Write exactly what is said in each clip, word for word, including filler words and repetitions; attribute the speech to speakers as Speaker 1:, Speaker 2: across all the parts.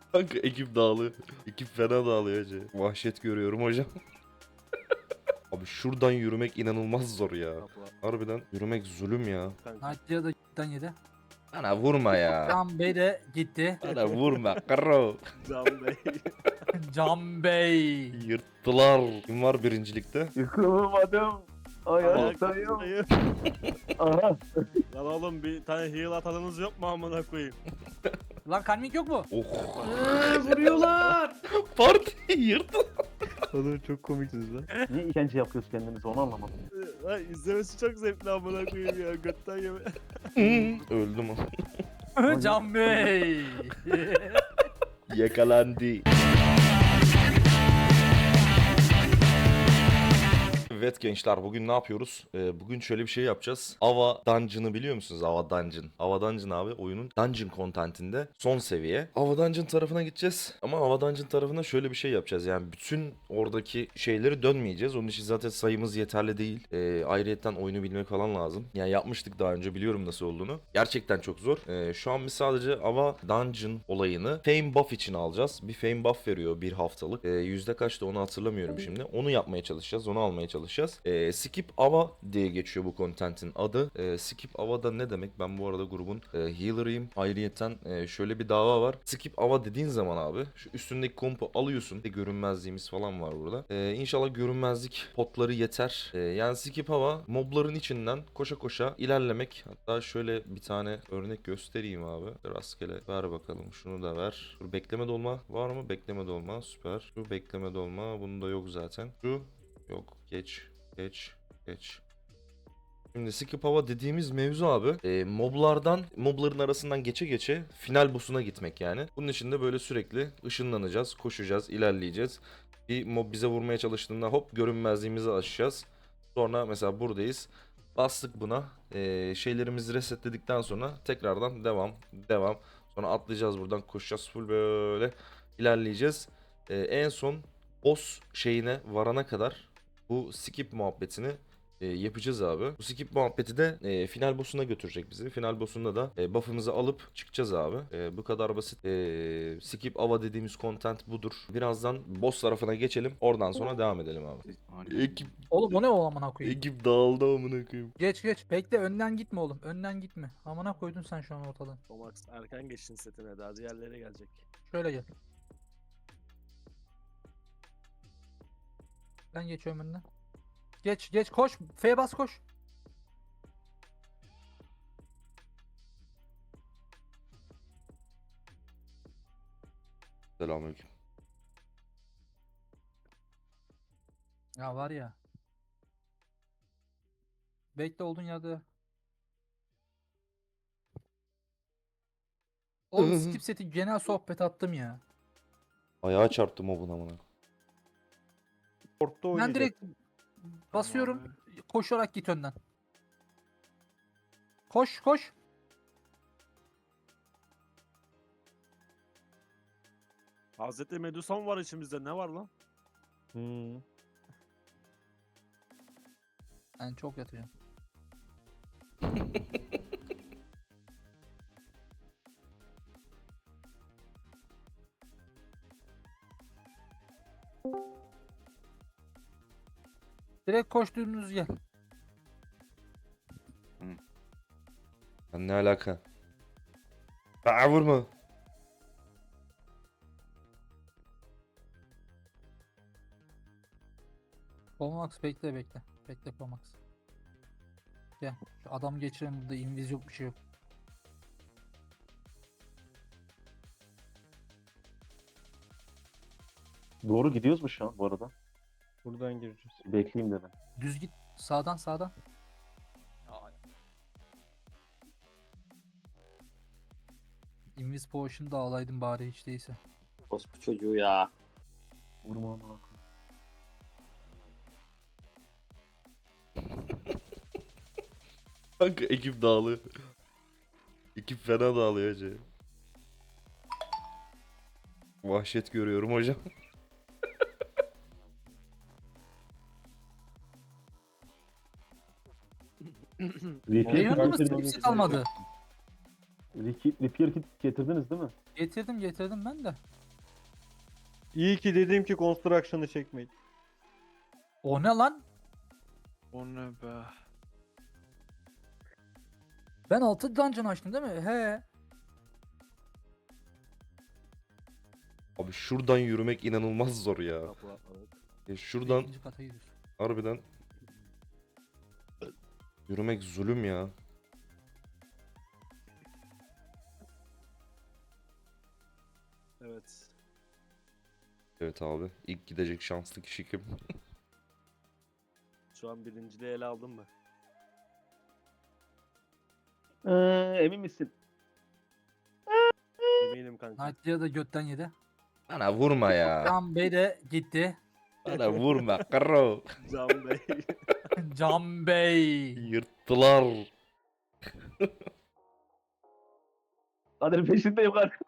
Speaker 1: Kanka ekip dağılıyor. Ekip fena dağılıyor hacı. Vahşet görüyorum hocam. Abi şuradan yürümek inanılmaz zor ya. Harbiden yürümek zulüm ya.
Speaker 2: Nadia da cidden yedi.
Speaker 1: Bana vurma ya.
Speaker 2: Can Bey de gitti.
Speaker 1: Bana vurma karo.
Speaker 3: Can Bey.
Speaker 2: Can Bey.
Speaker 1: Yırttılar. Kim var birincilikte?
Speaker 4: Yıkılmadım. Ayaktayım.
Speaker 3: Ayaktayım.
Speaker 4: Aha.
Speaker 3: Lan oğlum bir tane heal atanınız yok mu amına koyayım?
Speaker 2: Lan kalmik yok mu?
Speaker 1: Oh.
Speaker 5: Eee, vuruyorlar.
Speaker 1: Parti yırttı.
Speaker 3: Oğlum çok komiksiniz lan.
Speaker 4: Niye işkence yapıyoruz kendimize onu anlamadım.
Speaker 3: Lan izlemesi çok zevkli amına koyayım ya. Götten yeme.
Speaker 1: Öldüm ama.
Speaker 2: Can Bey.
Speaker 1: Yakalandı. Evet gençler, bugün ne yapıyoruz? Ee, bugün şöyle bir şey yapacağız. Ava Dungeon'ı biliyor musunuz? Ava Dungeon. Ava Dungeon abi oyunun Dungeon contentinde son seviye. Ava Dungeon tarafına gideceğiz. Ama Ava Dungeon tarafına şöyle bir şey yapacağız. Yani bütün oradaki şeyleri dönmeyeceğiz. Onun için zaten sayımız yeterli değil. Ee, ayrıyetten oyunu bilmek falan lazım. Yani yapmıştık daha önce, biliyorum nasıl olduğunu. Gerçekten çok zor. Ee, şu an biz sadece Ava Dungeon olayını Fame Buff için alacağız. Bir Fame Buff veriyor bir haftalık. Ee, yüzde kaçtı onu hatırlamıyorum şimdi. Onu yapmaya çalışacağız. Onu almaya çalışacağız. Ee, Skip Ava diye geçiyor bu contentin adı. Ee, Skip Ava da ne demek? Ben bu arada grubun e, healer'ıyım. Ayrıyeten e, şöyle bir dava var. Skip Ava dediğin zaman abi şu üstündeki kompu alıyorsun. Bir görünmezliğimiz falan var burada. Ee, İnşallah görünmezlik potları yeter. Ee, yani Skip Ava mobların içinden koşa koşa ilerlemek. Hatta şöyle bir tane örnek göstereyim abi. Rastgele ver bakalım. Şunu da ver. Dur, bekleme dolma var mı? Bekleme dolma süper. Şu bekleme dolma. Bunun da yok zaten. Şu yok. Geç. Geç. Geç. Şimdi Skip Ava dediğimiz mevzu abi e, moblardan, mobların arasından geçe geçe final boss'una gitmek yani. Bunun için de böyle sürekli ışınlanacağız, koşacağız, ilerleyeceğiz. Bir mob bize vurmaya çalıştığında hop görünmezliğimizi aşacağız. Sonra mesela buradayız. Bastık buna. E, şeylerimizi resetledikten sonra tekrardan devam, devam. Sonra atlayacağız buradan, koşacağız, full böyle ilerleyeceğiz. E, en son boss şeyine varana kadar bu skip muhabbetini e, yapacağız abi. Bu skip muhabbeti de e, final boss'una götürecek bizi. Final boss'unda da e, buff'ımızı alıp çıkacağız abi. E, bu kadar basit. E, skip ava dediğimiz content budur. Birazdan boss tarafına geçelim. Oradan sonra devam edelim abi. Ekip,
Speaker 2: Oğlum o ne o amına koyayım?
Speaker 1: ekip dağıldı amına koyayım.
Speaker 2: Geç geç. Bekle önden gitme oğlum. Önden gitme. Amına koydun sen şu an ortadan.
Speaker 3: Tomax erken geçin setine daha diğerleri gelecek.
Speaker 2: Şöyle gel. Ben geçiyorum önden. Geç geç koş. F'ye bas koş.
Speaker 1: Selamünaleyküm.
Speaker 2: Ya var ya. Bekle olduğun yerde. Oğlum skip seti genel sohbet attım ya.
Speaker 1: Ayağa çarptım o buna amına.
Speaker 4: Port'ta
Speaker 2: Ben
Speaker 4: oynayacak.
Speaker 2: direkt basıyorum. Koşarak git önden. Koş koş.
Speaker 3: Hazreti Medusa mı var içimizde, ne var lan?
Speaker 4: Hmm.
Speaker 2: Ben çok yatacağım. Direkt koştuğunuz gel.
Speaker 1: Lan ne alaka? Aa, vurma.
Speaker 2: Pomax bekle bekle. Bekle Pomax. Gel. Şu adam geçiren burada inviz yok bir şey yok.
Speaker 4: Doğru gidiyoruz mu şu an bu arada?
Speaker 5: Buradan gireceğiz.
Speaker 4: Bekleyeyim dedim.
Speaker 2: Düz git. Sağdan sağdan. Invis Potion'u da alaydın bari hiç değilse.
Speaker 6: Orospu çocuğu ya.
Speaker 4: Vurma ama.
Speaker 1: Kanka ekip dağılıyor. Ekip fena dağılıyor hacı. Vahşet görüyorum hocam.
Speaker 4: V P
Speaker 2: Benim yanımda
Speaker 4: karakteri-
Speaker 2: kimse kalmadı.
Speaker 4: Riki- Repair kit getirdiniz değil mi?
Speaker 2: Getirdim getirdim ben de.
Speaker 5: İyi ki dedim ki Construction'ı çekmeyin.
Speaker 2: O ne lan?
Speaker 3: O ne be?
Speaker 2: Ben altı dungeon açtım değil mi? He.
Speaker 1: Abi şuradan yürümek inanılmaz zor ya.
Speaker 3: Kapı atladık.
Speaker 1: Ya şuradan
Speaker 2: İkinci kata gidiyoruz.
Speaker 1: harbiden yürümek zulüm ya.
Speaker 3: Evet.
Speaker 1: Evet abi. İlk gidecek şanslı kişi kim?
Speaker 3: Şu an birinciliği ele aldın mı?
Speaker 4: Ee, emin misin?
Speaker 3: Eminim kanka.
Speaker 2: Knight'lıya da götten yedi.
Speaker 1: Bana vurma ya.
Speaker 2: Can Bey de gitti.
Speaker 1: Bana vurma karo.
Speaker 3: Can Bey.
Speaker 2: Can Bey.
Speaker 1: Yırttılar.
Speaker 4: Kadir peşindeyim Kadir.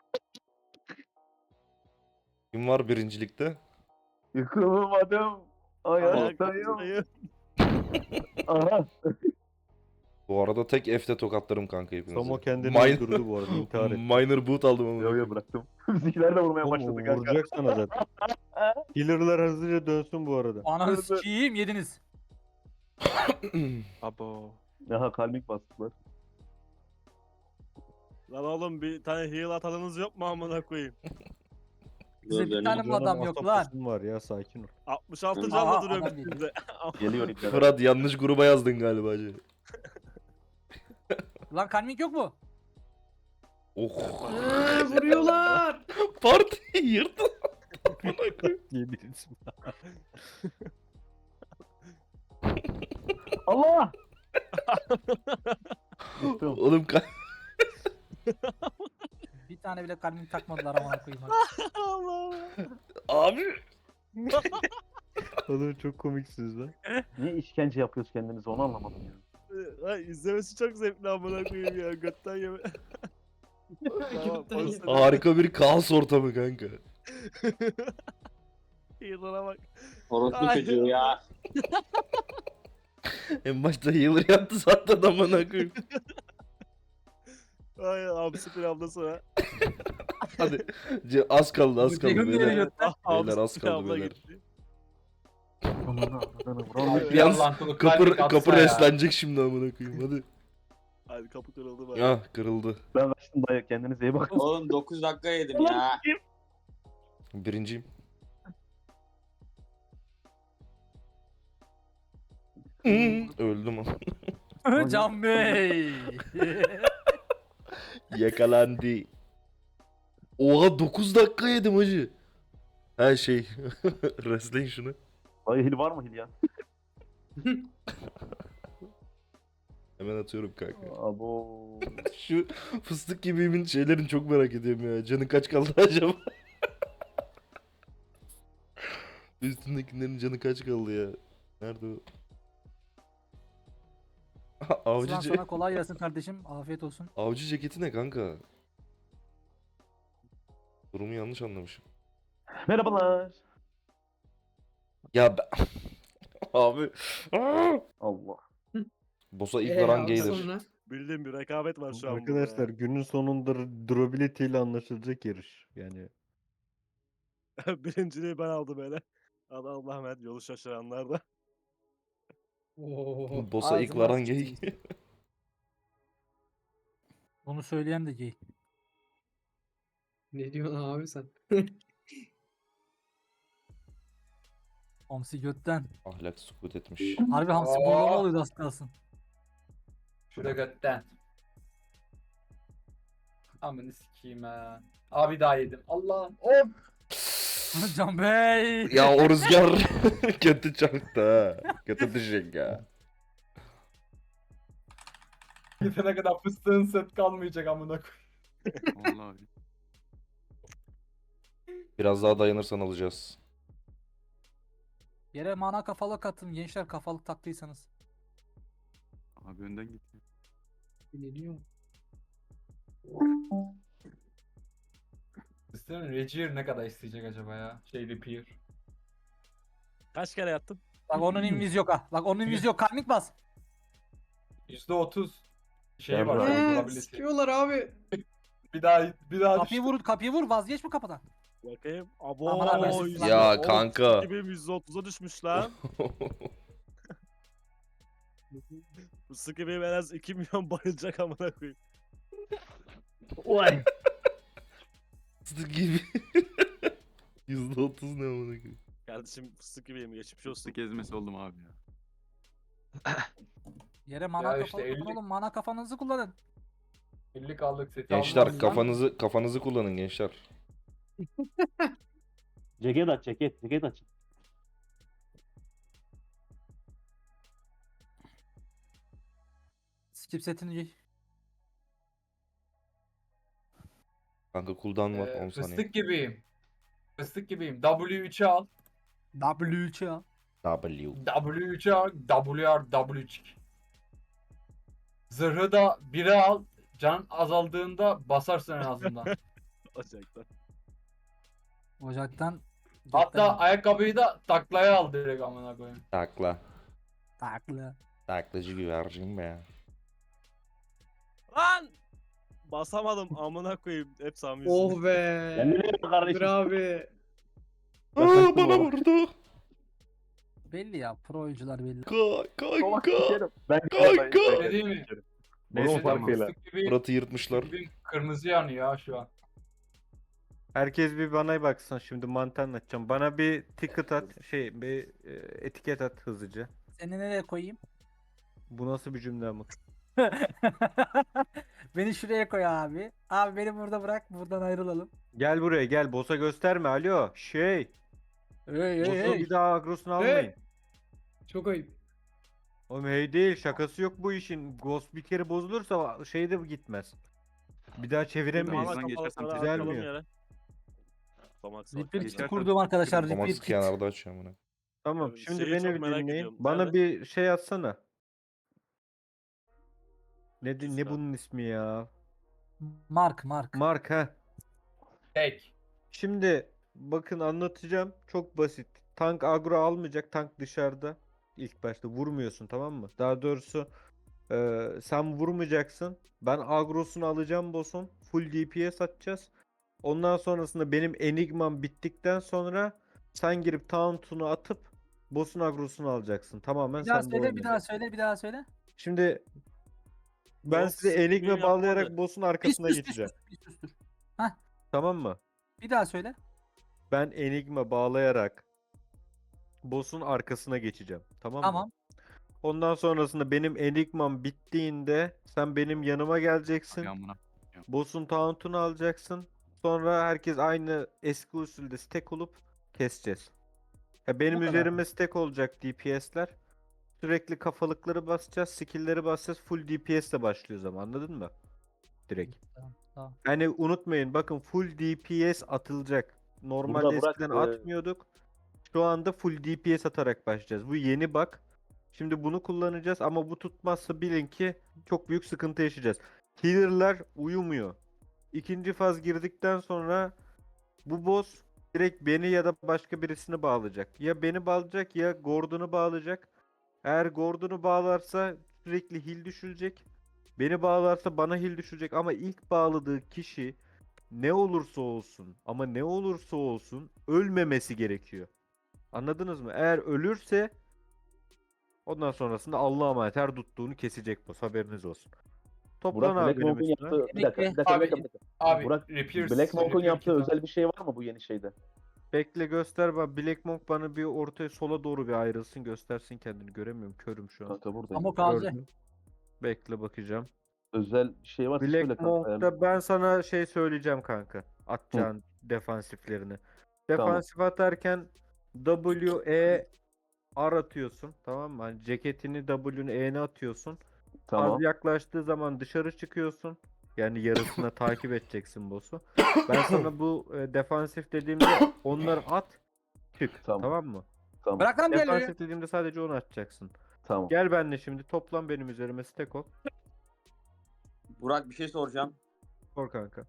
Speaker 1: Kim var birincilikte?
Speaker 4: Yıkılmadım. Ayaktayım.
Speaker 3: Ayaktayım.
Speaker 4: Aha.
Speaker 1: Bu arada tek F'te tokatlarım kanka hepinizi.
Speaker 5: Samo kendini
Speaker 1: Min-
Speaker 5: öldürdü bu arada, intihar etti.
Speaker 1: Minor boot aldım ama.
Speaker 4: Yo yo bıraktım. Bizimkiler de vurmaya
Speaker 5: Oğlum,
Speaker 4: başladı
Speaker 5: o
Speaker 4: kanka.
Speaker 5: vuracak sana zaten. Healer'lar hızlıca dönsün bu arada.
Speaker 2: Ananı
Speaker 4: Evet, evet.
Speaker 2: sikiyim yediniz.
Speaker 3: Abo.
Speaker 4: Aha kalbik bastılar.
Speaker 3: Lan oğlum bir tane heal atanınız yok mu amına koyayım?
Speaker 2: Bize bir tane mi
Speaker 5: Canım
Speaker 2: adam yok lan?
Speaker 5: asapasın var ya, sakin ol.
Speaker 3: altmış altı
Speaker 6: Aha,
Speaker 3: canla
Speaker 2: adam
Speaker 3: duruyorum
Speaker 2: geliyor.
Speaker 3: üstünde.
Speaker 4: Geliyor ipler.
Speaker 1: Fırat yanlış gruba yazdın galiba hacı.
Speaker 2: Lan kalmik yok mu?
Speaker 1: Oh.
Speaker 5: Eee, vuruyorlar.
Speaker 1: Parti yırttı.
Speaker 5: Yediniz.
Speaker 4: Allah! Yıktım.
Speaker 1: Oğlum ka-
Speaker 2: Bir tane bile kalbim takmadılar amına koyayım. bak.
Speaker 3: Allah.
Speaker 1: abi.
Speaker 5: Oğlum çok komiksiniz lan.
Speaker 4: Niye işkence yapıyoruz kendimize onu anlamadım ya.
Speaker 3: Ay, izlemesi çok zevkli amına koyayım ya. Götten yeme. Tamam, polis-
Speaker 1: Harika bir kaos ortamı kanka.
Speaker 3: Heal'lara bak.
Speaker 6: Orospu
Speaker 3: Ay.
Speaker 6: çocuğu ya.
Speaker 1: En başta healer yaptı zaten amına koyayım.
Speaker 3: Ay hamsi pilavda sonra.
Speaker 1: Hadi. Ce- Az kaldı az kaldı
Speaker 2: Öteki gün
Speaker 1: beyler.
Speaker 2: geliyor.
Speaker 1: Beyler, az kaldı beyler.
Speaker 4: Aman Allah'ını vuramıyorum.
Speaker 1: Yalnız
Speaker 7: Allah'ım,
Speaker 1: kapı,
Speaker 7: kalbik atsa
Speaker 1: kapı
Speaker 7: ya.
Speaker 1: reslenecek şimdi amına koyayım hadi.
Speaker 3: Hadi kapı kırıldı bari.
Speaker 1: Ya kırıldı.
Speaker 4: Ben kaçtım dayı kendinize iyi bakın.
Speaker 6: Oğlum dokuz dakika yedim ya.
Speaker 1: Birinciyim. Öldüm ama.
Speaker 2: Can Bey.
Speaker 1: Yakalandı. Oha dokuz dakika yedim hacı. Her şey. Resleyin şunu.
Speaker 4: Dayı hil var mı hil ya?
Speaker 1: Hemen atıyorum kanka.
Speaker 4: Abo.
Speaker 1: Şu fıstık gibimin şeylerini çok merak ediyorum ya. Canı kaç kaldı acaba? Üstündekilerin canı kaç kaldı ya? Nerede o? Avcı,
Speaker 2: Sıran
Speaker 1: ce-
Speaker 2: sana kolay gelsin kardeşim. Afiyet olsun.
Speaker 1: avcı ceketi ne kanka? Durumu yanlış anlamışım.
Speaker 4: Merhabalar.
Speaker 1: Ya ben... Abi.
Speaker 4: Allah.
Speaker 1: Boss'a ilk
Speaker 7: Ee,
Speaker 1: varan
Speaker 7: abi
Speaker 1: gelir.
Speaker 7: sonra?
Speaker 3: Bildiğin bir rekabet var şu an
Speaker 5: Arkadaşlar
Speaker 3: burada
Speaker 5: günün sonunda durability ile anlaşılacak yarış. Yani
Speaker 3: ya. Birinciliği ben aldım hele. Allah Allah emanet yolu şaşıranlar da.
Speaker 7: Oo.
Speaker 1: Boss'a ilk
Speaker 2: Ağzına
Speaker 1: varan
Speaker 2: sıçtım.
Speaker 1: gay.
Speaker 2: Bunu söyleyen de gay.
Speaker 7: Ne diyorsun abi sen?
Speaker 2: Hamsi götten.
Speaker 1: Ahlak sukut etmiş.
Speaker 2: Harbi hamsi
Speaker 7: Aa.
Speaker 2: bollama oluyordu az kalsın.
Speaker 7: Şurada götten. Amını sikeyim ha. Abi daha yedim. Allah'ım. Of.
Speaker 2: Can Bey.
Speaker 1: Ya o rüzgar kötü çarptı ha. Kötü düşecek ya.
Speaker 7: Gidene kadar fıstığın set kalmayacak amına koyayım.
Speaker 3: Vallahi.
Speaker 1: Biraz daha dayanırsan alacağız.
Speaker 2: Yere mana kafalık attım. Gençler kafalık taktıysanız.
Speaker 3: Abi önden git.
Speaker 7: Ne diyor? Fıstığın Regier ne kadar isteyecek acaba ya? Şey Repair.
Speaker 3: Kaç kere yattın?
Speaker 2: Bak onun inviz yok ha. Bak onun inviz yok. Kalmik bas.
Speaker 7: yüzde otuz. Şey var.
Speaker 4: Eee,
Speaker 7: Durability.
Speaker 8: Sikiyorlar abi.
Speaker 7: Bir daha bir daha
Speaker 2: Kapıyı
Speaker 7: düştü.
Speaker 2: vur, kapıyı vur, vazgeç mi kapıdan?
Speaker 3: Bakayım. Abo.
Speaker 2: Aman abi,
Speaker 3: yüz-
Speaker 1: Ya
Speaker 3: Oğlum,
Speaker 1: kanka.
Speaker 3: iki bin yüz otuza düşmüş lan. Bu sıkı benim en az iki milyon bayılacak amına koyayım.
Speaker 4: Vay.
Speaker 1: Fıstık gibi. yüzde otuz ne amına koyayım.
Speaker 3: Kardeşim fıstık gibiyim geçmiş olsun.
Speaker 9: Fıstık ezmesi oldum abi ya.
Speaker 2: Yere mana
Speaker 7: Ya
Speaker 2: kafa
Speaker 7: işte
Speaker 2: kullanın
Speaker 7: elli
Speaker 2: oğlum, mana kafanızı kullanın.
Speaker 7: elli kaldık seti
Speaker 1: Gençler
Speaker 7: almazsan-
Speaker 1: kafanızı kafanızı kullanın gençler.
Speaker 4: Ceket aç ceket. Ceket aç.
Speaker 2: Skip setini giy.
Speaker 1: Kanka cooldown var
Speaker 7: Ee,
Speaker 1: on saniye.
Speaker 7: fıstık gibiyim. Fıstık gibiyim. W üçü al.
Speaker 2: W üç ya.
Speaker 1: W.
Speaker 7: W üçü al. W R W çık. Zırhı da bire al. Can azaldığında basarsın en azından.
Speaker 3: Ocaktan.
Speaker 2: Ocaktan.
Speaker 7: Hatta ayakkabıyı da taklaya al direkt amına koyayım.
Speaker 1: Takla.
Speaker 2: Taklı.
Speaker 1: Taklacı güvercin be.
Speaker 3: Lan! Basamadım amına koyayım. Hep Sami yüzünden.
Speaker 8: Oh be.
Speaker 4: Kendine iyi bak
Speaker 8: Dur
Speaker 4: kardeşim.
Speaker 8: abi.
Speaker 1: Aa bana vurdu.
Speaker 2: Belli ya, pro oyuncular belli.
Speaker 1: Ka
Speaker 4: Salak
Speaker 1: kanka.
Speaker 4: sikerim. Ben
Speaker 1: Kanka.
Speaker 7: Ne diyeyim mi?
Speaker 4: Neyse
Speaker 7: Fıstık
Speaker 4: farkıyla.
Speaker 7: fıstık gibiyim.
Speaker 1: Murat'ı yırtmışlar.
Speaker 7: Gibiyim. Kırmızı yanıyor ya şu an.
Speaker 5: Herkes bir bana baksın, şimdi mantığı anlatacağım. Bana bir ticket at, şey bir e, etiket at hızlıca.
Speaker 2: Seni nereye koyayım?
Speaker 5: Bu nasıl bir cümle ama?
Speaker 2: Beni şuraya koy abi. Abi beni burada bırak, buradan ayrılalım.
Speaker 5: Gel buraya gel, boss'a gösterme, alo. Şey,
Speaker 2: Hey hey
Speaker 5: boss'un
Speaker 2: hey.
Speaker 5: bir daha agrosunu almayın.
Speaker 8: Çok ayıp.
Speaker 5: Oğlum hey değil, şakası yok bu işin. Ghost bir kere bozulursa şey de gitmez. Bir daha çeviremeyiz.
Speaker 9: Ağzından geçersem
Speaker 3: kafaları
Speaker 5: güzel
Speaker 3: atalım
Speaker 5: mi?
Speaker 3: yere. Tomax var.
Speaker 2: Repeat
Speaker 9: Geçersen-
Speaker 2: kurdum arkadaşlar.
Speaker 1: Tomax
Speaker 2: Repeat kit.
Speaker 1: kenarda açıyor bunu.
Speaker 5: Tamam,
Speaker 3: Şeyi
Speaker 5: şimdi
Speaker 3: çok
Speaker 5: beni bir
Speaker 3: merak
Speaker 5: dinleyin.
Speaker 3: ediyorum.
Speaker 5: Bana
Speaker 3: Nerede?
Speaker 5: bir şey atsana. Ne, di- ne
Speaker 3: Lütfen.
Speaker 5: bunun ismi ya?
Speaker 2: Mark Mark.
Speaker 5: Mark ha.
Speaker 7: Tek.
Speaker 5: Şimdi bakın anlatacağım. Çok basit. Tank agro almayacak. Tank dışarıda. İlk başta vurmuyorsun, tamam mı? Daha doğrusu e, sen vurmayacaksın. Ben agrosunu alacağım boss'un. Full D P S atacağız. Ondan sonrasında benim enigmam bittikten sonra sen girip taunt'unu atıp boss'un agrosunu alacaksın. Tamamen
Speaker 2: Bir daha
Speaker 5: sende
Speaker 2: söyle, bir
Speaker 5: oynayacak.
Speaker 2: daha söyle, bir daha söyle.
Speaker 5: Şimdi ben
Speaker 3: Yok,
Speaker 5: size
Speaker 3: sikmeyi
Speaker 5: enigma
Speaker 3: yapmadı.
Speaker 5: bağlayarak boss'un
Speaker 2: Bir
Speaker 5: arkasına
Speaker 2: sus, bir
Speaker 5: geçeceğim.
Speaker 2: sus, bir sustur.
Speaker 5: Tamam mı?
Speaker 2: Bir daha söyle.
Speaker 5: Ben enigma bağlayarak boss'un arkasına geçeceğim. Tamam mı?
Speaker 2: Tamam.
Speaker 5: Ondan sonrasında benim enigmam bittiğinde sen benim yanıma geleceksin.
Speaker 9: Ay amına.
Speaker 5: Boss'un taunt'unu alacaksın. Sonra herkes aynı eski usulde stack olup keseceğiz. Ya benim
Speaker 2: Bu kadar.
Speaker 5: üzerime stack olacak D P S'ler. Sürekli kafalıkları basacağız, skill'leri basacağız. Full D P S ile başlıyoruz ama, anladın mı? Direkt.
Speaker 2: Tamam, tamam.
Speaker 5: Yani unutmayın, bakın full D P S atılacak. Normalde
Speaker 4: Burada bırak,
Speaker 5: eskiden
Speaker 4: e,
Speaker 5: atmıyorduk. Şu anda full D P S atarak başlayacağız. Bu yeni bug. Şimdi bunu kullanacağız ama bu tutmazsa bilin ki çok büyük sıkıntı yaşayacağız. Healer'lar uyumuyor. İkinci faz girdikten sonra bu boss direkt beni ya da başka birisini bağlayacak. Ya beni bağlayacak ya Gordon'u bağlayacak. Eğer Gordon'u bağlarsa sürekli heal düşülecek. Beni bağlarsa bana heal düşecek ama ilk bağladığı kişi ne olursa olsun ama ne olursa olsun ölmemesi gerekiyor. Anladınız mı? Eğer ölürse ondan sonrasında Allah'a emanet her tuttuğunu kesecek boss, haberiniz olsun. Toplan
Speaker 4: Burak
Speaker 5: abi
Speaker 4: Black
Speaker 5: benim
Speaker 4: Monk'un
Speaker 5: üstüme.
Speaker 4: yaptığı bir dakika, bir dakika,
Speaker 7: Abi,
Speaker 4: bir dakika, bir dakika.
Speaker 7: Abi
Speaker 4: Burak,
Speaker 7: Reapers-
Speaker 4: Black Monk'un
Speaker 7: Reaper
Speaker 4: yaptığı
Speaker 7: kit al.
Speaker 4: özel bir şey var mı bu yeni şeyde?
Speaker 5: Bekle göster bak, Black Monk bana bir ortaya sola doğru bir ayrılsın, göstersin kendini, göremiyorum, körüm şu an.
Speaker 4: Kanka buradayım.
Speaker 2: Ama kalacak.
Speaker 5: Gördüm. Bekle bakacağım.
Speaker 4: Özel bir şey var. söyle
Speaker 5: Black
Speaker 4: kanka.
Speaker 5: Monk'ta ben sana şey söyleyeceğim kanka. Atacağın defansiflerini. Defansif atarken W, E, R atıyorsun. Tamam mı? Hani ceketini W'ni E'ne atıyorsun.
Speaker 4: Tamam.
Speaker 5: Az yaklaştığı zaman dışarı çıkıyorsun. Yani yarısına takip edeceksin boss'u. Ben sana bu e, defansif dediğimde onları at, çık.
Speaker 4: Tamam.
Speaker 5: Tamam mı?
Speaker 4: Tamam.
Speaker 2: Bırak lan diğerleri.
Speaker 5: Defansif dediğimde sadece onu atacaksın.
Speaker 4: Tamam.
Speaker 5: Gel benimle şimdi, toplan benim üzerime, stack ol.
Speaker 6: Burak bir şey soracağım.
Speaker 5: Sor kanka.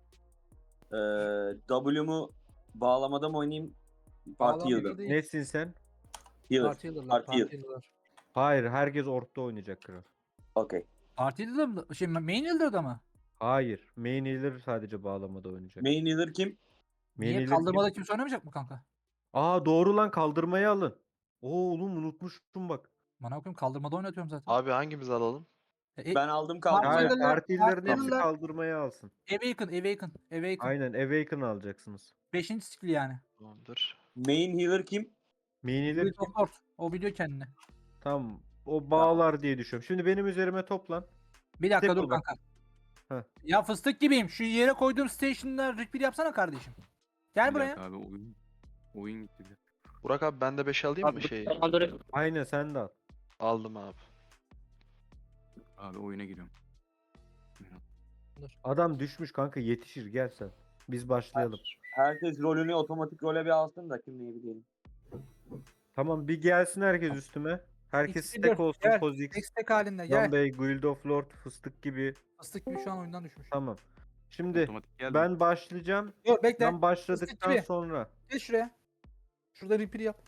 Speaker 6: Ee, W'mu bağlamada mı oynayayım? Parti
Speaker 2: Bağlamada
Speaker 6: yıldır.
Speaker 2: değil.
Speaker 5: Nesin sen?
Speaker 6: Healer.
Speaker 2: Parti yıllarlar,
Speaker 6: Parti
Speaker 2: parti
Speaker 6: yıl.
Speaker 2: yıllar.
Speaker 5: Hayır, herkes ortada oynayacak kral.
Speaker 6: Okey.
Speaker 2: Parti Leader mı? Şey Main Leader'da mı?
Speaker 5: Hayır. Main healer sadece bağlamada oynayacak.
Speaker 6: Main healer kim?
Speaker 5: Main
Speaker 2: Niye
Speaker 5: healer
Speaker 2: kaldırmada
Speaker 5: kim?
Speaker 2: kimse oynamayacak mı kanka?
Speaker 5: Aa doğru lan, kaldırmayı alın. Oo oğlum unutmuştum bak.
Speaker 2: Bana koyayım kaldırmada oynatıyorum zaten.
Speaker 9: Abi hangimizi alalım?
Speaker 2: E,
Speaker 6: Ben aldım
Speaker 2: Parti
Speaker 5: Hayır,
Speaker 6: kaldırmaya.
Speaker 2: Leader'lar-
Speaker 5: parti healer'ın
Speaker 2: Parti
Speaker 5: hepsi
Speaker 2: Leader'lar-
Speaker 5: kaldırmayı alsın.
Speaker 2: Awaken, Awaken, Awaken.
Speaker 5: Aynen Awaken alacaksınız.
Speaker 2: Beşinci skill yani.
Speaker 9: Tamamdır.
Speaker 6: Main healer kim?
Speaker 5: Main healer
Speaker 2: Guild of Lord. O biliyor kendini.
Speaker 5: tam o bağlar diye düşünüyorum. Şimdi benim üzerime toplan.
Speaker 2: Bir dakika
Speaker 5: Tek
Speaker 2: dur
Speaker 5: ol bak.
Speaker 2: kanka.
Speaker 5: Heh.
Speaker 2: Ya fıstık gibiyim. Şu yere koyduğum station'da repeat yapsana kardeşim. Gel buraya.
Speaker 10: Abi oyun oyun gitti. bir.
Speaker 9: Burak abi ben de beş alayım mı şeyi?
Speaker 5: Aynen sen de al.
Speaker 9: Aldım abi.
Speaker 10: Abi oyuna giriyorum.
Speaker 5: Adam düşmüş kanka, yetişir gel sen. Biz başlayalım.
Speaker 6: Herkes rolünü otomatik role bir alsın da kim neyi bilelim.
Speaker 5: Tamam bir gelsin herkes üstüme. Herkes
Speaker 2: İkisi
Speaker 5: stack
Speaker 2: dur,
Speaker 5: olsun.
Speaker 2: gel.
Speaker 5: Pozix,
Speaker 2: Tek stack halinde
Speaker 5: Can
Speaker 2: gel.
Speaker 5: Bey, Guild of Lord, fıstık gibi.
Speaker 2: Fıstık gibi şu an oyundan düşmüş.
Speaker 5: Tamam. Şimdi
Speaker 10: Otomatik geldi.
Speaker 5: ben başlayacağım.
Speaker 2: Dur bekle.
Speaker 5: Ben başladıktan
Speaker 2: gibi.
Speaker 5: sonra.
Speaker 2: Gel şuraya. Şurada repeat yap.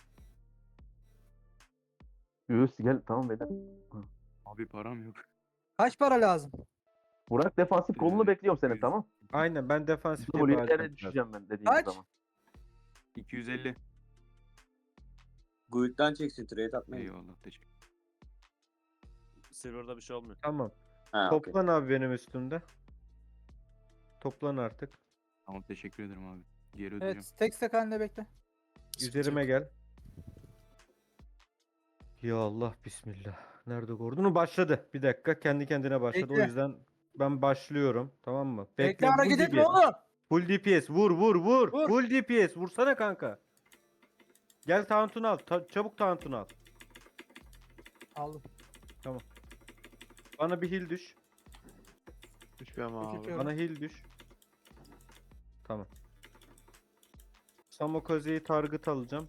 Speaker 4: Göğüs gel tamam beyler.
Speaker 10: Abi param yok.
Speaker 2: Kaç para lazım?
Speaker 4: Burak defansif kolunu
Speaker 10: Ee,
Speaker 4: bekliyorum senin
Speaker 10: yüz.
Speaker 4: tamam.
Speaker 5: Aynen ben defansif
Speaker 4: W'ye
Speaker 5: yapacağım biraz.
Speaker 4: düşeceğim ben dediğim
Speaker 2: Kaç?
Speaker 4: zaman.
Speaker 10: iki yüz elli.
Speaker 6: Guild'den çeksin trade atmayın.
Speaker 10: Eyvallah teşekkür.
Speaker 3: Silver'da bir şey olmuyor.
Speaker 5: Tamam.
Speaker 6: Ha, okey.
Speaker 5: Toplan abi benim üstümde. Toplan artık.
Speaker 10: Tamam teşekkür ederim abi. Geri ödeyeceğim.
Speaker 2: Evet tek stack halinde bekle.
Speaker 5: Üzerime gel. Ya Allah bismillah. Nerede Gordon'u başladı. Bir dakika kendi kendine başladı.
Speaker 2: Bekle.
Speaker 5: O yüzden ben başlıyorum. Tamam mı?
Speaker 2: Bekle,
Speaker 5: full
Speaker 2: hareket etme
Speaker 5: D P S.
Speaker 2: oğlum.
Speaker 5: Full D P S. Vur vur vur.
Speaker 2: Vur.
Speaker 5: Full D P S. Vursana kanka. Gel taunt'unu al. Ta- çabuk taunt'unu al.
Speaker 2: Aldım.
Speaker 5: Bana bir heal düş.
Speaker 9: Düşmüyorum abi.
Speaker 2: Düşüyorum.
Speaker 5: Bana heal düş. Tamam. Samokaze'yi target alacağım.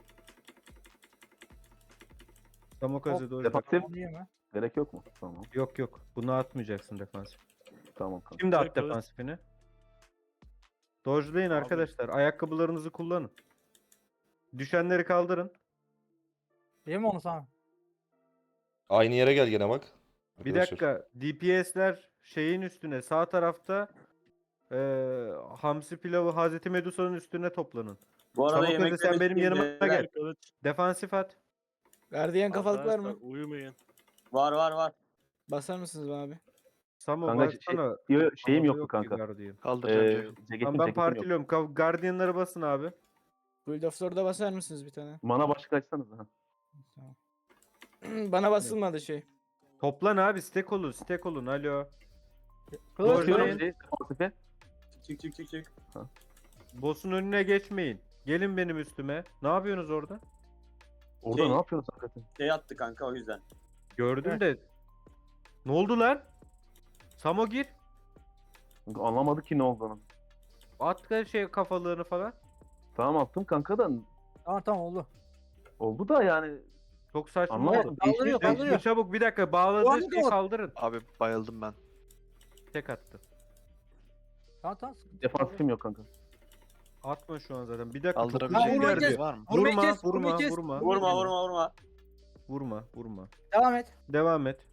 Speaker 5: Samokaze doğru.
Speaker 4: Defansif
Speaker 2: Onu yeme.
Speaker 4: gerek yok mu? Tamam.
Speaker 5: Yok yok. Bunu atmayacaksın defansif.
Speaker 4: Tamam kanka.
Speaker 5: Şimdi at
Speaker 3: Direkt alır.
Speaker 5: defansifini. Dodge'layın
Speaker 3: Abi.
Speaker 5: arkadaşlar. Ayakkabılarınızı kullanın. Düşenleri kaldırın.
Speaker 2: Yeme onu sana.
Speaker 1: Aynı yere gel gene bak.
Speaker 5: Bir
Speaker 1: Arkadaşlar.
Speaker 5: dakika. D P S'ler şeyin üstüne, sağ tarafta eee Hamsi pilavı Hazreti Medusa'nın üstüne toplanın.
Speaker 6: Bu arada
Speaker 5: Samokaze
Speaker 6: yemek
Speaker 5: sen benim yanıma gel.
Speaker 3: Kılıç.
Speaker 5: Defansif at.
Speaker 11: Gardiyan kafalık var mı?
Speaker 3: Arkadaşlar, Uyumayın.
Speaker 6: Var var var.
Speaker 11: Basar mısınız be abi?
Speaker 5: Samo
Speaker 4: Kanka şey,
Speaker 5: baksana.
Speaker 4: yo- şeyim
Speaker 5: Havada
Speaker 4: yoktu
Speaker 5: yok ki
Speaker 4: kanka.
Speaker 5: Guardian.
Speaker 9: Kaldıracağım
Speaker 4: Ee,
Speaker 9: ceketim.
Speaker 4: ceketim
Speaker 5: Tamam ben
Speaker 4: ceketim yok.
Speaker 5: partiliyorum. Ka- Guardian'lara basın abi.
Speaker 11: Guild of Lord'a basar mısınız bir tane?
Speaker 4: Mana başlık açsanız ha.
Speaker 11: Tamam. Bana basılmadı şey.
Speaker 5: Toplan abi. Stack olun. Stack olun. Alo.
Speaker 2: Kılıç
Speaker 5: Bakıyorum.
Speaker 2: kılıç.
Speaker 4: Şey, defansife.
Speaker 6: Çık çık çık çık.
Speaker 5: Boss'un önüne geçmeyin. Gelin benim üstüme. Ne yapıyorsunuz orada?
Speaker 4: Orada
Speaker 6: Şey-
Speaker 4: ne yapıyorsun hakikaten?
Speaker 6: Şey attı kanka o yüzden.
Speaker 5: Gördüm
Speaker 2: Heh.
Speaker 5: de. Ne oldu lan? Samo gir.
Speaker 4: Kanka anlamadık ki ne olduğunu.
Speaker 5: At ka- şey kafalığını falan.
Speaker 4: Tamam attım kanka da
Speaker 2: Tamam tamam oldu.
Speaker 4: oldu da yani
Speaker 5: Çok saçma
Speaker 4: anlamadım.
Speaker 5: oldu.
Speaker 2: Kaldırıyor,
Speaker 4: Değişmiş-
Speaker 2: kaldırıyor.
Speaker 5: Değiştir çabuk bir dakika. Bağladığı
Speaker 2: Ulan
Speaker 5: şeyi
Speaker 2: dur.
Speaker 5: kaldırın.
Speaker 9: Abi bayıldım ben.
Speaker 5: Tek attı.
Speaker 2: Tamam tamam. sıkıntı yok.
Speaker 4: Defansifim yok kanka.
Speaker 5: Atma şu an zaten. Bir dakika.
Speaker 9: Kaldırabileceğim
Speaker 2: vurmayı
Speaker 5: Tokucu
Speaker 9: bir
Speaker 2: kes.
Speaker 5: geldi.
Speaker 9: yeriniz var mı?
Speaker 2: Vurmayı
Speaker 5: Vurma,
Speaker 2: kes, vurmayı
Speaker 5: vurma,
Speaker 2: kes.
Speaker 5: vurma.
Speaker 6: Vurma vurma vurma.
Speaker 5: Vurma, vurma.
Speaker 2: Devam et.
Speaker 5: Devam et.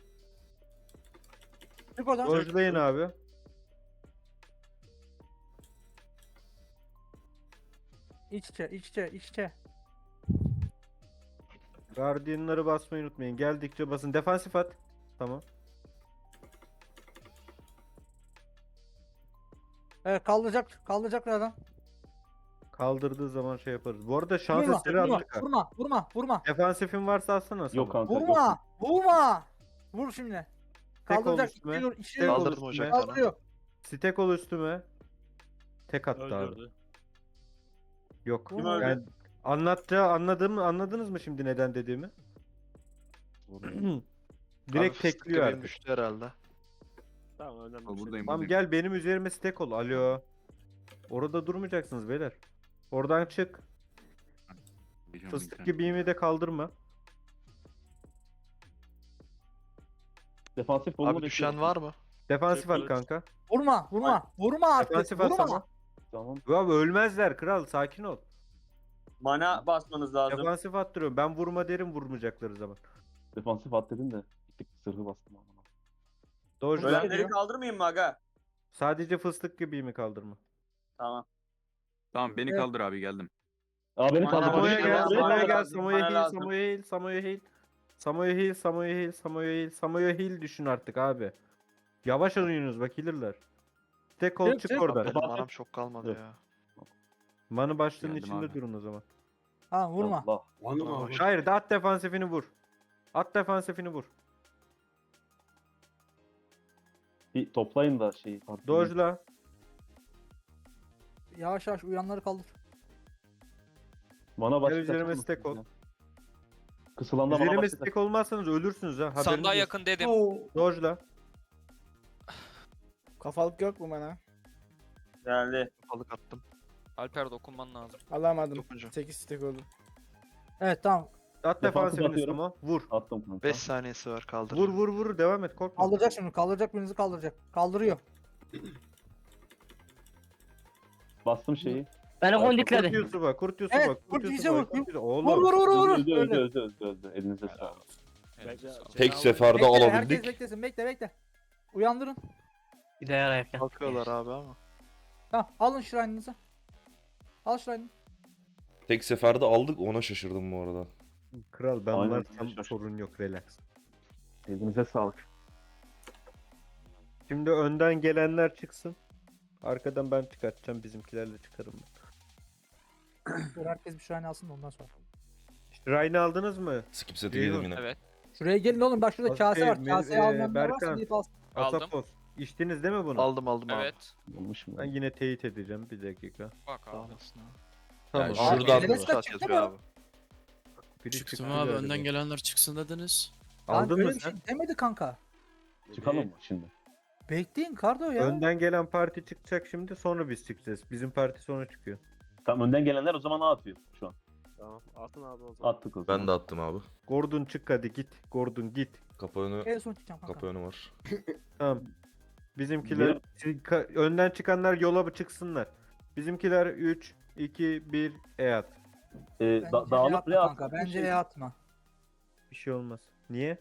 Speaker 2: Çık oradan.
Speaker 5: Dojlayın abi.
Speaker 2: İç içe, iç içe, iç içe.
Speaker 5: Guardian'ları basmayı unutmayın. Geldikçe basın. Defansif at. Tamam.
Speaker 2: Evet kaldıracak, kaldıracak adam.
Speaker 5: Kaldırdığı zaman şey yaparız. Bu arada şans
Speaker 2: Vurma,
Speaker 5: eseri
Speaker 2: vurma,
Speaker 5: attık ha.
Speaker 2: vurma, vurma, vurma.
Speaker 5: Defansifin varsa atsana sana.
Speaker 4: Yok kanka. yok.
Speaker 2: Vurma, vurma. Vur şimdi.
Speaker 5: Tek ol
Speaker 2: Kaldıracak,
Speaker 5: üstüme.
Speaker 2: içeri, içeri
Speaker 5: Tek ol
Speaker 9: Kaldırdım
Speaker 5: üstüme.
Speaker 9: hocam.
Speaker 2: kaldırıyor.
Speaker 5: Stek ol üstüme. Tek attı abi.
Speaker 3: Öldürdü.
Speaker 5: Yok.
Speaker 2: Kim
Speaker 6: öldü?
Speaker 5: Yani anlattağı anladığım anladınız mı şimdi neden dediğimi? Direkt
Speaker 9: Abi fıstık
Speaker 5: tekliyor
Speaker 9: göbeğim
Speaker 5: artık.
Speaker 9: düştü herhalde.
Speaker 3: Tamam önemli bir
Speaker 10: Abi
Speaker 3: şey.
Speaker 10: buradayım
Speaker 5: Tamam
Speaker 10: buradayım.
Speaker 5: gel benim üzerime stek ol. Alo. Orada durmayacaksınız beyler. Oradan çık.
Speaker 10: Gideceğim
Speaker 5: Fıstık
Speaker 10: internet.
Speaker 5: gibiğimi de kaldırma.
Speaker 4: Defansif kolunu
Speaker 9: Abi düşen var mı?
Speaker 5: Defansif at
Speaker 3: Kılıç.
Speaker 5: kanka.
Speaker 2: Vurma, vurma. Vurma artık.
Speaker 5: Defansif at
Speaker 2: Vurma.
Speaker 5: sana.
Speaker 4: Tamam.
Speaker 5: Abi ölmezler kral sakin ol.
Speaker 6: Mana basmanız lazım.
Speaker 5: Defansif attırıyorum. Ben vurma derim vurmayacakları zaman.
Speaker 4: Defansif at dedin de gittik sırrı bastım ama.
Speaker 5: Dojla.
Speaker 6: Ölenleri kaldırmayayım mı aga?
Speaker 5: Sadece fıstık gibi mi kaldırma?
Speaker 6: Tamam.
Speaker 10: Tamam beni
Speaker 2: Evet.
Speaker 10: kaldır abi geldim.
Speaker 4: Aa beni
Speaker 6: Bana-
Speaker 4: kaldır.
Speaker 5: Samoya
Speaker 6: Barış
Speaker 5: gel,
Speaker 6: lazım,
Speaker 5: Samoya
Speaker 6: bana
Speaker 5: gel,
Speaker 6: lazım,
Speaker 5: Samoya
Speaker 6: bana
Speaker 5: heal,
Speaker 6: lazım.
Speaker 5: Samoya heal, Samoya heal. Samoya heal, Samoya heal, Samoya heal, Samoya heal düşün artık abi. Yavaş oynuyorsunuz bak healer'lar. Tek ol
Speaker 2: Çık,
Speaker 5: çık
Speaker 2: çık.
Speaker 5: oradan.
Speaker 9: Benim manam çok kalmadı
Speaker 4: Yok.
Speaker 9: ya.
Speaker 5: Manı başlığının
Speaker 10: Geldim
Speaker 5: içinde
Speaker 10: abi.
Speaker 5: durun o zaman.
Speaker 2: Ha vurma.
Speaker 4: Allah.
Speaker 9: Bana baş-
Speaker 5: Hayır, at defansifini vur. At defansifini vur.
Speaker 4: Bir toplayın da şeyi.
Speaker 5: Dojla.
Speaker 2: Yavaş yavaş uyanları kaldır.
Speaker 4: Bana başka
Speaker 5: üzerime stack ol.
Speaker 4: Kısılanda bana
Speaker 5: Üzerime
Speaker 4: başka
Speaker 5: stack olmazsanız ölürsünüz ha. Haberiniz
Speaker 12: Sandığa
Speaker 5: olsun.
Speaker 12: yakın dedim.
Speaker 5: Dojla.
Speaker 11: Kafalık yok mu bana?
Speaker 6: Geldi.
Speaker 9: Balık attım.
Speaker 12: Alper dokunman lazım.
Speaker 11: Alamadım.
Speaker 9: Dokunca.
Speaker 11: sekiz stack oldu.
Speaker 2: Evet tamam.
Speaker 5: At
Speaker 4: Defansif
Speaker 5: defansifini
Speaker 4: atıyorum.
Speaker 5: Samo. Vur.
Speaker 4: attım kanka.
Speaker 9: beş saniyesi var kaldır.
Speaker 5: Vur vur vur devam et korkma.
Speaker 2: Kaldıracak şimdi. Kaldıracak birinizi kaldıracak. Kaldırıyor.
Speaker 4: Bastım şeyi.
Speaker 13: Beni
Speaker 5: Kurt
Speaker 13: kondikledi.
Speaker 5: Yusuf'a, Kurt Yusuf'a,
Speaker 2: Evet,
Speaker 5: Kurt
Speaker 2: Kurt
Speaker 5: Yusuf'a,
Speaker 2: Yusuf'a,
Speaker 5: Kurt
Speaker 2: vur.
Speaker 5: Yusuf'a. Oğlum.
Speaker 2: Vur vur vur vur.
Speaker 4: Öldü öldü
Speaker 2: Öyle.
Speaker 4: öldü öldü öldü. Elinize sağlık.
Speaker 12: Elinize sağlık.
Speaker 1: Tek seferde
Speaker 2: Bekle, herkes
Speaker 1: alabildik.
Speaker 2: beklesin. Bekle bekle. Uyandırın.
Speaker 13: Bir de yarayıp gel.
Speaker 9: Kalkıyorlar abi ama.
Speaker 2: Tamam alın şirininizi. Al şirinini.
Speaker 1: Tek seferde aldık, ona şaşırdım bu arada.
Speaker 5: Kral ben
Speaker 4: Aynen,
Speaker 5: varsam
Speaker 4: şaşır.
Speaker 5: sorun yok relax.
Speaker 4: Elinize sağlık.
Speaker 5: Şimdi önden gelenler çıksın. Arkadan ben çıkartacağım. Bizimkilerle çıkarım ben.
Speaker 2: Dur, herkes bir şirine alsın da ondan sonra.
Speaker 5: Ryan'ı aldınız mı?
Speaker 1: Skip seti
Speaker 5: Ceyhun.
Speaker 1: yedim yine.
Speaker 12: Evet.
Speaker 2: Şuraya gelin oğlum. Bak şurada
Speaker 5: Az-
Speaker 2: kase
Speaker 5: şey,
Speaker 2: var.
Speaker 5: Mel-
Speaker 2: Kaseyi
Speaker 5: e,
Speaker 2: almayanlar varsa
Speaker 5: Berkan.
Speaker 2: gidip alsın.
Speaker 12: Aldım.
Speaker 5: Asapos. İçtiniz değil mi bunu?
Speaker 9: Aldım aldım abi.
Speaker 12: Evet.
Speaker 4: Olmuş mu?
Speaker 5: Ben yine teyit edeceğim. Bir dakika.
Speaker 12: Bak
Speaker 9: Sağ
Speaker 12: abi.
Speaker 9: olasın abi.
Speaker 1: Yani
Speaker 5: Tamam.
Speaker 1: şuradan-
Speaker 2: Enes
Speaker 9: Saat
Speaker 2: çıktı
Speaker 9: yazıyor
Speaker 2: mı?
Speaker 9: abi.
Speaker 5: Biri
Speaker 13: Çıktım
Speaker 5: çıktı
Speaker 13: abi
Speaker 5: galiba.
Speaker 13: önden gelenler çıksın dediniz.
Speaker 2: Lan
Speaker 5: Aldın
Speaker 2: öyle
Speaker 5: mı
Speaker 2: bir
Speaker 5: sen?
Speaker 2: şey demedi kanka.
Speaker 4: Çıkalım mı şimdi?
Speaker 2: Bekleyin Kardo ya.
Speaker 5: Önden gelen parti çıkacak şimdi sonra biz çıkacağız. Bizim parti sonra çıkıyor.
Speaker 4: Tamam önden gelenler o zaman A atıyor şu an.
Speaker 3: Tamam. Atın abi o zaman.
Speaker 4: Attık o zaman.
Speaker 1: Ben de attım abi.
Speaker 5: Gordon çık hadi git. Gordon git.
Speaker 1: Kapı önü,
Speaker 2: En son çıkacağım kanka.
Speaker 1: kapı önü var.
Speaker 5: Tamam. Bizimkiler Ka- önden çıkanlar yola çıksınlar. Bizimkiler üç, iki, bir E at.
Speaker 4: Ee,
Speaker 2: Bence
Speaker 4: da-
Speaker 2: E
Speaker 4: dağılıp
Speaker 2: atma
Speaker 4: ne
Speaker 2: kanka.
Speaker 4: attık?
Speaker 2: Bence E atma.
Speaker 5: Bir şey olmaz. Niye?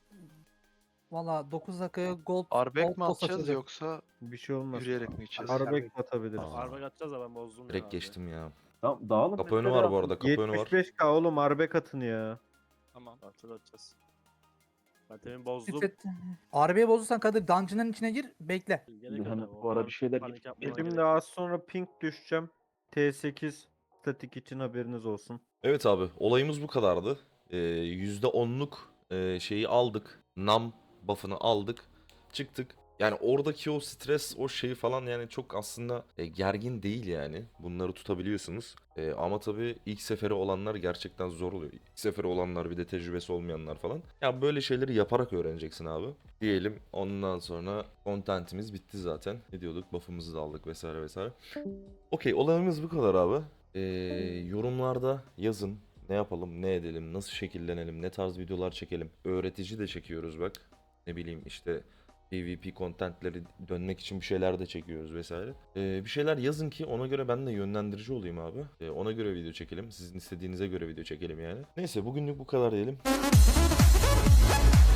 Speaker 2: Valla dokuz dakikaya gold,
Speaker 9: Arbek
Speaker 2: gold
Speaker 9: mi
Speaker 2: post
Speaker 9: atacağız
Speaker 2: açılacak.
Speaker 9: yoksa
Speaker 5: Bir şey olmaz.
Speaker 9: yürüyerek mi gideceğiz?
Speaker 5: Arbek atabiliriz.
Speaker 1: Aa.
Speaker 3: Arbek atacağız da ben bozdum
Speaker 1: Direkt
Speaker 3: ya.
Speaker 1: geçtim ya.
Speaker 4: Tamam dağılıp.
Speaker 1: Kapı önü var bu arada, kapı önü var.
Speaker 5: yetmiş beş K oğlum Arbek atın ya.
Speaker 12: Tamam.
Speaker 3: Atacağız atacağız. Ben temin bozdum.
Speaker 2: Titret- Arbe'ye bozursan Kadir dungeon'ın içine gir bekle.
Speaker 3: Gerek yok
Speaker 4: Hani
Speaker 3: abi,
Speaker 4: bu ara
Speaker 3: o
Speaker 4: bir şeyler
Speaker 3: panik
Speaker 4: git-
Speaker 3: yapmana
Speaker 5: Şimdi
Speaker 3: gerek yok.
Speaker 5: az sonra ping düşeceğim. T sekiz statik için haberiniz olsun.
Speaker 1: Evet abi, olayımız bu kadardı. Ee, yüzde onluk e, şeyi aldık. Nam buff'ını aldık. Çıktık. Yani oradaki o stres, o şeyi falan yani çok aslında e, gergin değil yani. Bunları tutabiliyorsunuz. E, ama tabii ilk seferi olanlar gerçekten zor oluyor. İlk seferi olanlar, bir de tecrübesi olmayanlar falan. Ya böyle şeyleri yaparak öğreneceksin abi. Diyelim ondan sonra contentimiz bitti zaten. Ne diyorduk? Buff'ımızı da aldık vesaire vesaire. Okey, olayımız bu kadar abi. E, yorumlarda yazın. Ne yapalım, ne edelim, nasıl şekillenelim, ne tarz videolar çekelim. Öğretici de çekiyoruz bak. Ne bileyim işte PvP contentleri dönmek için bir şeyler de çekiyoruz vesaire. Ee, bir şeyler yazın ki ona göre ben de yönlendirici olayım abi. Ee, ona göre video çekelim. Sizin istediğinize göre video çekelim yani. Neyse bugünlük bu kadar diyelim.